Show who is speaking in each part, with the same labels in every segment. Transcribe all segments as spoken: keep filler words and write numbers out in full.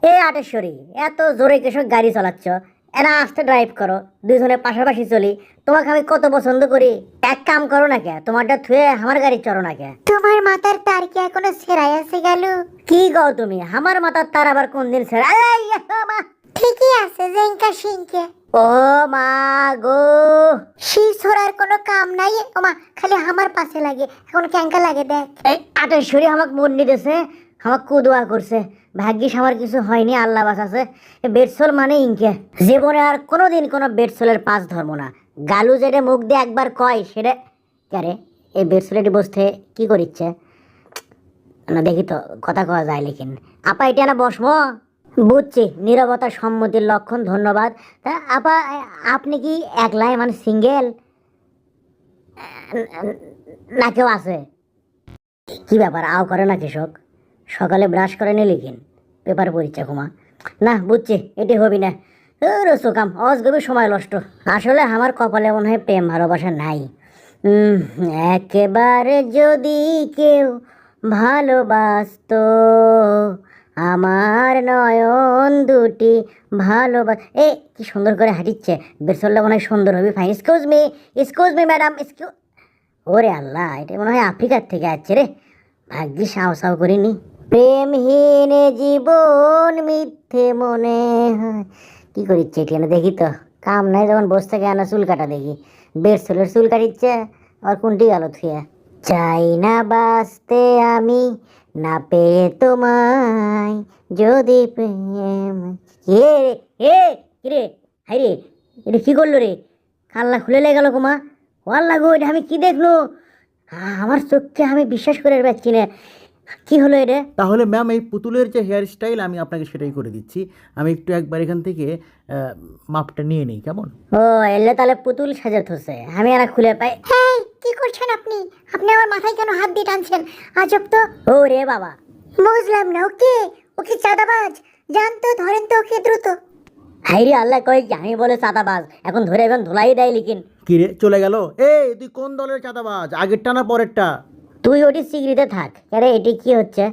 Speaker 1: এ আটেশ্বরী, এত জোরে কেসব গাড়ি চালাচ্ছ, এরা আস্তে ড্রাইভ করো, দুইজনে পাশাপাশি চলি। তোমাকে আমি কত পছন্দ করি। এক কাম করো না কে, তোমারটা থুয়ে আমার গাড়ি চড়ো না কে।
Speaker 2: তোমার মাথার তার কি এখনো ছেঁড়াই আছে গেল?
Speaker 1: কি কও তুমি? আমার মাথার তার আবার কোন দিন ছেড়ে? এই, ও মা!
Speaker 2: ঠিকই আছে জেঙ্কা সিংকে।
Speaker 1: ও মা গো!
Speaker 2: শি ছোড়ার কোনো কাম নাই। ওমা খালি আমার পাশে লাগে, এখন ক্যাঙ্কা লাগে দেখ।
Speaker 1: এই আটেশ্বরী আমাকে মন দিতেছে, আমাকে কুদোয়া করছে। ভাগ্যিস আমার কিছু হয়নি, আল্লাহ বাঁচাছে। বেডসোল মানে ইনকে জীবনে আর কোনোদিন কোনো বেডসোলের পাঁচ ধর্ম না। গালু যেটা মুখ দিয়ে একবার কয় সেটা ক্যারে। এই বেডসোলেটি বসতে কি করিচ্ছে না দেখি তো, কথা কওয়া যায় লেকিন। আপা এটা না বসমো। বুঝছি, নীরবতা সম্মতির লক্ষণ, ধন্যবাদ। তা আপা, আপনি কি একলাই মানে সিঙ্গেল না কেউ আছে? কি ব্যাপার, আও করে না কৃষক? সকালে ব্রাশ করে নিলি কিন, পেপার পড়িচ্ছে ঘুমা না? বুঝছি, এটি হবি না। রসুকাম অজগবি সময় নষ্ট। আসলে আমার কপালে মনে হয় প্রেম ভালোবাসা নাই। উম, একেবারে যদি কেউ ভালোবাসতো আমার নয়ন দুটি ভালোবাস। এ কি সুন্দর করে হাঁটিচ্ছে, বেরসল্লা মনে হয় সুন্দর হবি। Fine, excuse me, excuse me madam, excuse. ওরে আল্লাহ, এটা মনে হয় আফ্রিকার থেকে আসছে রে। ভাগ্যি সাও সাও করিনি। প্রেমহীন জীবন মিথ্যে মনে হয়। কি করিচ্ছে এটি না দেখি তো। কাম নাই যখন বসে থেকে আনা চুল কাটা দেখি। বের চুলের চুল কাটিচ্ছে, আর কোনটি গেল থুয়া। চাই না বাঁচতে আমি না পেয়ে তোমায়, যদি প্রেম। কে রে? এ কি রে? হাই রে, এটা কি করলো রে? কাল্লা খুলে লেগে গেল কুমা। ওয়াল্লা গো, এটা আমি কি দেখলো? আমার চোখকে আমি বিশ্বাস করে পাচ্ছি না। কি হলো এটা?
Speaker 3: তাহলে ম্যাম, এই পুতুলের যে হেয়ার স্টাইল আমি আপনাকে সেটাই করে দিচ্ছি। আমি একটু একবার এখান থেকে আহ, মাপটা নিয়ে নিই, কেমন?
Speaker 1: ও এলে তাহলে পুতুল সাজাত হচ্ছে, আমি আর খুলে পাই।
Speaker 2: হ্যাঁ, কি করছেন আপনি? আপনি আমার মাথায় কেন হাত দিয়ে টানছেন? আজব তো।
Speaker 1: ও রে বাবা,
Speaker 2: বুঝলাম না। ওকে ওকে চাঁদাবাজ, জানতো, ধরেন তো ওকে দ্রুত।
Speaker 1: হাইরে আল্লাহ, কই কি আমি বলে চাঁদাবাজ, এখন ধরে এখন ধুলাই দেয় লিখিন।
Speaker 3: কি রে, চলে গেল? এই তুই কোন দলের চাঁদাবাজ, আগেরটা না পরেরটা?
Speaker 1: তুই ওটি সিগড়িতে থাক। আরে এটি কি হচ্ছে?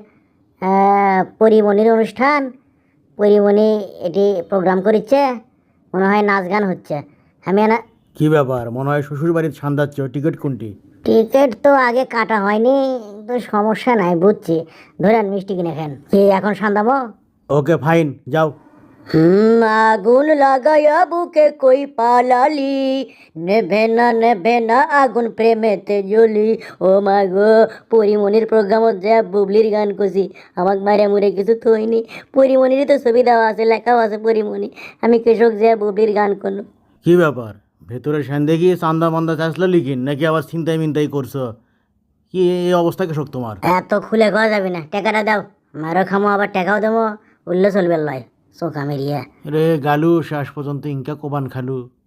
Speaker 1: পরিমণির অনুষ্ঠান। পরিমণি এটি প্রোগ্রাম করিচ্ছে, মনে হয় নাচ গান হচ্ছে। আমি না।
Speaker 3: কি ব্যাপার, মনে হয় শ্বশুর বাড়ির ছান্দাচ্ছ। টিকিট কোনটি?
Speaker 1: টিকিট তো আগে কাটা হয়নি, তো সমস্যা নাই, বুঝছি। ধরেন মিষ্টি কিনে খান। কি এখন সান্দামো?
Speaker 3: ওকে ফাইন, যাও।
Speaker 1: হুম, আগুন লাগায়া বুকে কই পালালি, নেভে না নেভে না আগুন প্রেমেতে জ্বলি। ও মা গো, পরিমণির প্রোগ্রামত যা বুবলির গান করছি, আমাক মারে মুরে কিছু থইনি। পরিমণিরই তো ছবি দেওয়া আছে, লেখাও আছে পরিমণি। আমি কৃষক যা বুবলির গান করলো।
Speaker 3: কি ব্যাপার, ভেতরে সেন্দে গিয়ে চান্দা মান্দা চাষলো লিখিন, নাকি আবার চিন্তাই মিন্তাই করছো? কি এই অবস্থা কৃষক তোমার?
Speaker 1: এত খুলে খাওয়া যাবে না, টাকাটা দাও। মারো খামো, আবার টাকাও দেবো, উল্লে চলবে লয়। চোখা মেরিয়া।
Speaker 3: রে গালু, শেষ পর্যন্ত ইনকা কোবান খালু।